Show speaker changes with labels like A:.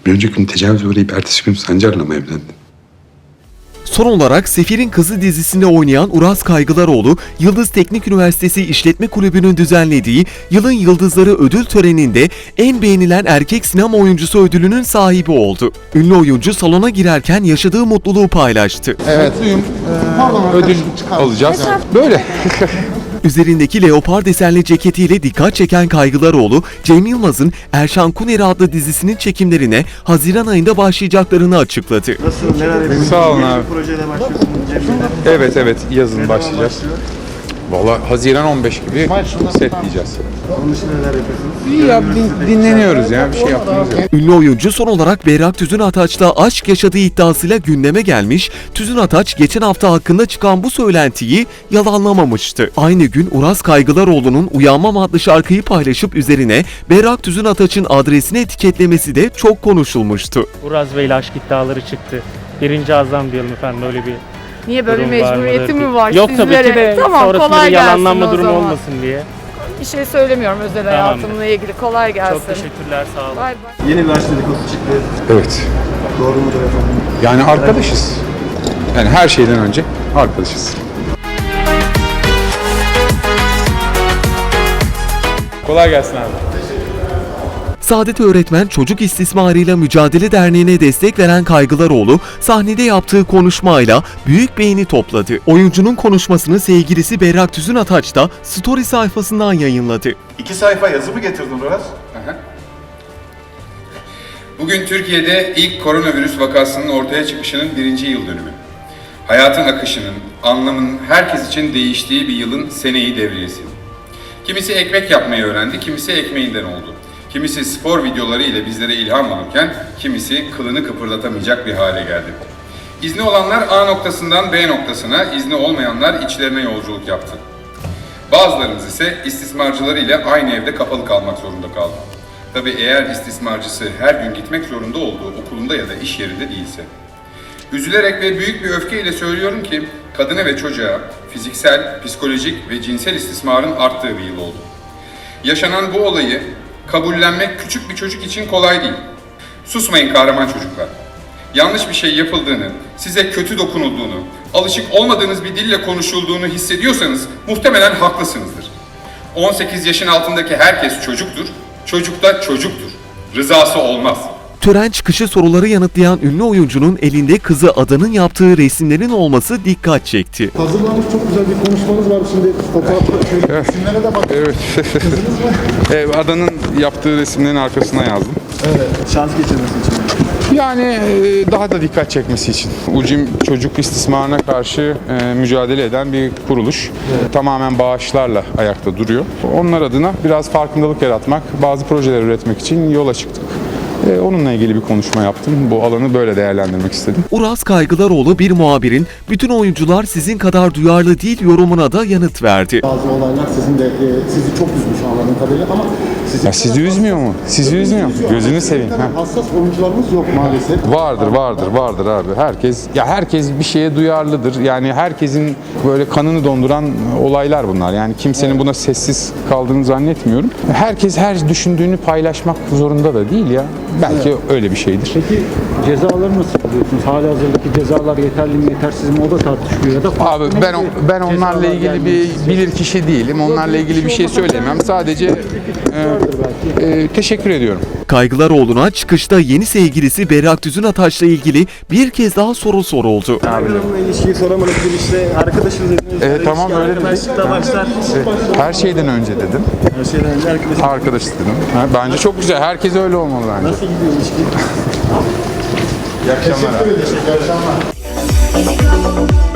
A: Bir önceki gün tecavüze uğrayıp ertesi gün Sancar'la mı evlendin?
B: Son olarak Sefir'in Kızı dizisinde oynayan Uras Kaygılaroğlu, Yıldız Teknik Üniversitesi İşletme Kulübü'nün düzenlediği Yılın Yıldızları ödül töreninde en beğenilen erkek sinema oyuncusu ödülünün sahibi oldu. Ünlü oyuncu salona girerken yaşadığı mutluluğu paylaştı.
C: Evet, ödül alacağız. Böyle.
B: Üzerindeki leopar desenli ceketiyle dikkat çeken Kaygılaroğlu, Cem Yılmaz'ın Erşan Kuneri adlı dizisinin çekimlerine Haziran ayında başlayacaklarını açıkladı.
D: Nasıl, neler yapıyorsunuz?
C: Sağ olun abi.
D: Projeyle başlıyorsunuz Cem Bey'le.
C: Evet, yazın başlayacağız. Valla Haziran 15 gibi setleyeceğiz.
D: Onun için neler yapıyorsunuz?
C: İyi ya, dinleniyoruz ya, bir şey yaptığımız yok.
B: Ünlü oyuncu son olarak Berrak Tüzün Ataç'la aşk yaşadığı iddiasıyla gündeme gelmiş, Tüzün Ataç geçen hafta hakkında çıkan bu söylentiyi yalanlamamıştı. Aynı gün Uras Kaygılaroğlu'nun Uyanmam adlı şarkıyı paylaşıp üzerine Berrak Tüzün Ataç'ın adresini etiketlemesi de çok konuşulmuştu.
E: Uraz Bey ile aşk iddiaları çıktı. Birinci azam diyelim efendim, öyle bir
F: Niye böyle bir
E: durum var
F: mecburiyeti
E: mıdır?
F: mi var
E: Yok
F: sizlere?
E: tabii ki de
F: Tamam,
E: sonrasında
F: kolay
E: bir
F: gelsin
E: yalanlanma
F: o
E: durumu
F: zaman.
E: olmasın diye.
F: Bir şey söylemiyorum özel hayatımla ilgili. Kolay gelsin.
E: Çok teşekkürler, sağ olun.
F: Bay bay.
D: Yeni bir aşk dedikodusu çıktı.
C: Evet,
D: Doğru mudur efendim?
C: yani arkadaşız. Yani her şeyden önce arkadaşız. Kolay gelsin abi.
B: Saadet Öğretmen Çocuk İstismarıyla Mücadele Derneği'ne destek veren Kaygılaroğlu, sahnede yaptığı konuşmayla büyük beğeni topladı. Oyuncunun konuşmasını sevgilisi Berrak Tüzün Ataç da Story sayfasından yayınladı.
G: 2 sayfa yazı mı getirdin Uras?
H: Bugün Türkiye'de ilk koronavirüs vakasının ortaya çıkışının 1. yıl dönümü. Hayatın akışının, anlamının herkes için değiştiği bir yılın seneyi devriyesi. Kimisi ekmek yapmayı öğrendi, kimisi ekmeğinden oldu. Kimisi spor videoları ile bizlere ilham olurken, kimisi kılını kıpırdatamayacak bir hale geldi. İzni olanlar A noktasından B noktasına, izni olmayanlar içlerine yolculuk yaptı. Bazılarımız ise istismarcıları ile aynı evde kapalı kalmak zorunda kaldı. Tabii eğer istismarcısı her gün gitmek zorunda olduğu okulunda ya da iş yerinde değilse. Üzülerek ve büyük bir öfkeyle söylüyorum ki kadına ve çocuğa fiziksel, psikolojik ve cinsel istismarın arttığı bir yıl oldu. Yaşanan bu olayı kabullenmek küçük bir çocuk için kolay değil. Susmayın kahraman çocuklar. Yanlış bir şey yapıldığını, size kötü dokunulduğunu, alışık olmadığınız bir dille konuşulduğunu hissediyorsanız muhtemelen haklısınızdır. 18 yaşın altındaki herkes çocuktur, çocuk da çocuktur. Rızası olmaz.
B: Tören çıkışı soruları yanıtlayan ünlü oyuncunun elinde kızı Adan'ın yaptığı resimlerin olması dikkat çekti.
D: Hazırlanmış çok güzel bir konuşmanız var şimdi. Fotoğrafı şöyle resimlere de bak.
C: Evet. Adanın yaptığı resimlerin arkasına yazdım.
D: Evet. Şans geçirmesi için.
C: Yani daha da dikkat çekmesi için. UCİM çocuk istismarına karşı mücadele eden bir kuruluş. Evet. Tamamen bağışlarla ayakta duruyor. Onlar adına biraz farkındalık yaratmak, bazı projeler üretmek için yola çıktık. Onunla ilgili bir konuşma yaptım. Bu alanı böyle değerlendirmek istedim.
B: Uras Kaygılaroğlu bir muhabirin "Bütün oyuncular sizin kadar duyarlı değil" yorumuna da yanıt verdi.
D: Bazı olaylar sizin de sizi çok üzmüş anladığım kadarıyla ama
C: Sizi üzmüyor mu? Sizi üzmüyor mu? Gözünü seveyim.
D: Hassas oyuncularımız yok maalesef.
C: Vardır abi. Herkes bir şeye duyarlıdır. Yani herkesin böyle kanını donduran olaylar bunlar. Yani kimsenin buna sessiz kaldığını zannetmiyorum. Herkes her düşündüğünü paylaşmak zorunda da değil ya. Belki öyle bir şeydir.
I: Peki cezaları nasıl buluyorsunuz? Halihazırdaki cezalar yeterli mi yetersiz mi o da tartışılıyor ya da
C: Abi ben onlarla ilgili bir bilirkişi değilim. Onlarla ilgili bir şey söyleyemem. Sadece teşekkür ediyorum.
B: Kaygılaroğlu'na çıkışta yeni sevgilisi Berrak Tüzün Ataç'la ilgili bir kez daha soru soruldu.
D: Hanımla ilişkiyi soramadık bir işte arkadaşız dediniz.
C: Tamam öyle dedik.
D: Arkadaşlıkla başlar.
C: Her şeyden önce dedim.
D: Her şeyden önce arkadaşız.
C: Arkadaş dedim. Bence çok güzel. Herkes öyle olmalı bence.
D: Nasıl gidiyor ilişki?
C: İyi akşamlar.
D: Teşekkür ederim. İyi akşamlar.